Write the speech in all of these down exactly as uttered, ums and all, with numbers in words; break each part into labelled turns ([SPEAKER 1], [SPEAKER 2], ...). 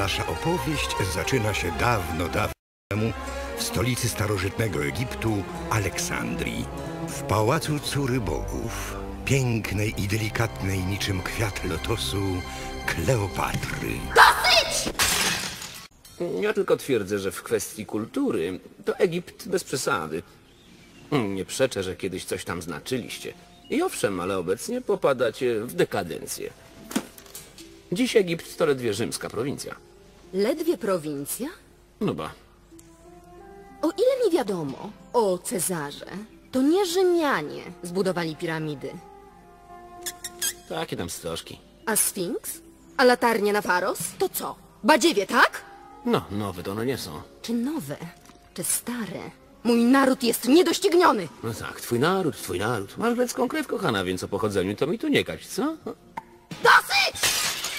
[SPEAKER 1] Nasza opowieść zaczyna się dawno, dawno temu w stolicy starożytnego Egiptu, Aleksandrii. W pałacu córy bogów, pięknej i delikatnej niczym kwiat lotosu, Kleopatry.
[SPEAKER 2] Dosyć!
[SPEAKER 3] Ja tylko twierdzę, że w kwestii kultury to Egipt bez przesady. Nie przeczę, że kiedyś coś tam znaczyliście. I owszem, ale obecnie popadacie w dekadencję. Dziś Egipt to ledwie rzymska prowincja.
[SPEAKER 2] Ledwie prowincja?
[SPEAKER 3] No ba.
[SPEAKER 2] O ile mi wiadomo o Cezarze, to nie Rzymianie zbudowali piramidy.
[SPEAKER 3] Takie tam stożki.
[SPEAKER 2] A Sfinks? A latarnie na Faros? To co? Badziewie, tak?
[SPEAKER 3] No, nowe to one nie są.
[SPEAKER 2] Czy nowe? Czy stare? Mój naród jest niedościgniony!
[SPEAKER 3] No tak, twój naród, twój naród. Masz grecką krew, kochana, więc o pochodzeniu to mi tu nie kać, co?
[SPEAKER 2] Dosyć!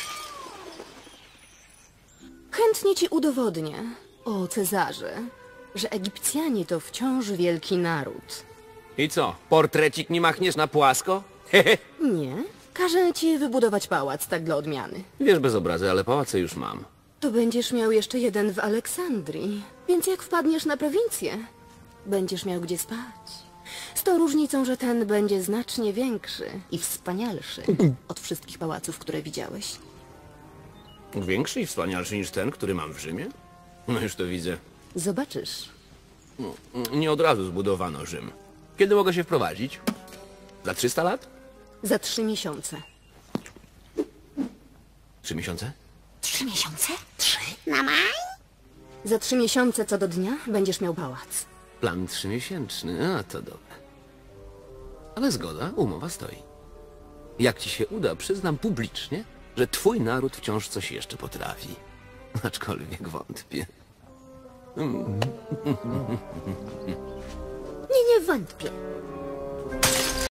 [SPEAKER 2] Chętnie ci udowodnię, o Cezarze, że Egipcjanie to wciąż wielki naród.
[SPEAKER 3] I co, portrecik nie machniesz na płasko? Hehe.
[SPEAKER 2] Nie? Każę ci wybudować pałac, tak dla odmiany.
[SPEAKER 3] Wiesz, bez obrazy, ale pałace już mam.
[SPEAKER 2] To będziesz miał jeszcze jeden w Aleksandrii, więc jak wpadniesz na prowincję, będziesz miał gdzie spać. Z tą różnicą, że ten będzie znacznie większy i wspanialszy od wszystkich pałaców, które widziałeś.
[SPEAKER 3] Większy i wspanialszy niż ten, który mam w Rzymie? No już to widzę.
[SPEAKER 2] Zobaczysz.
[SPEAKER 3] Nie od razu zbudowano Rzym. Kiedy mogę się wprowadzić? Za trzysta lat?
[SPEAKER 2] Za trzy miesiące.
[SPEAKER 3] Trzy miesiące?
[SPEAKER 4] Trzy miesiące? Trzy? Na maj?
[SPEAKER 2] Za trzy miesiące co do dnia będziesz miał pałac.
[SPEAKER 3] Plan trzymiesięczny, a to dobre. Ale zgoda, umowa stoi. Jak ci się uda, przyznam publicznie, że twój naród wciąż coś jeszcze potrafi. Aczkolwiek wątpię.
[SPEAKER 2] Nie, nie wątpię.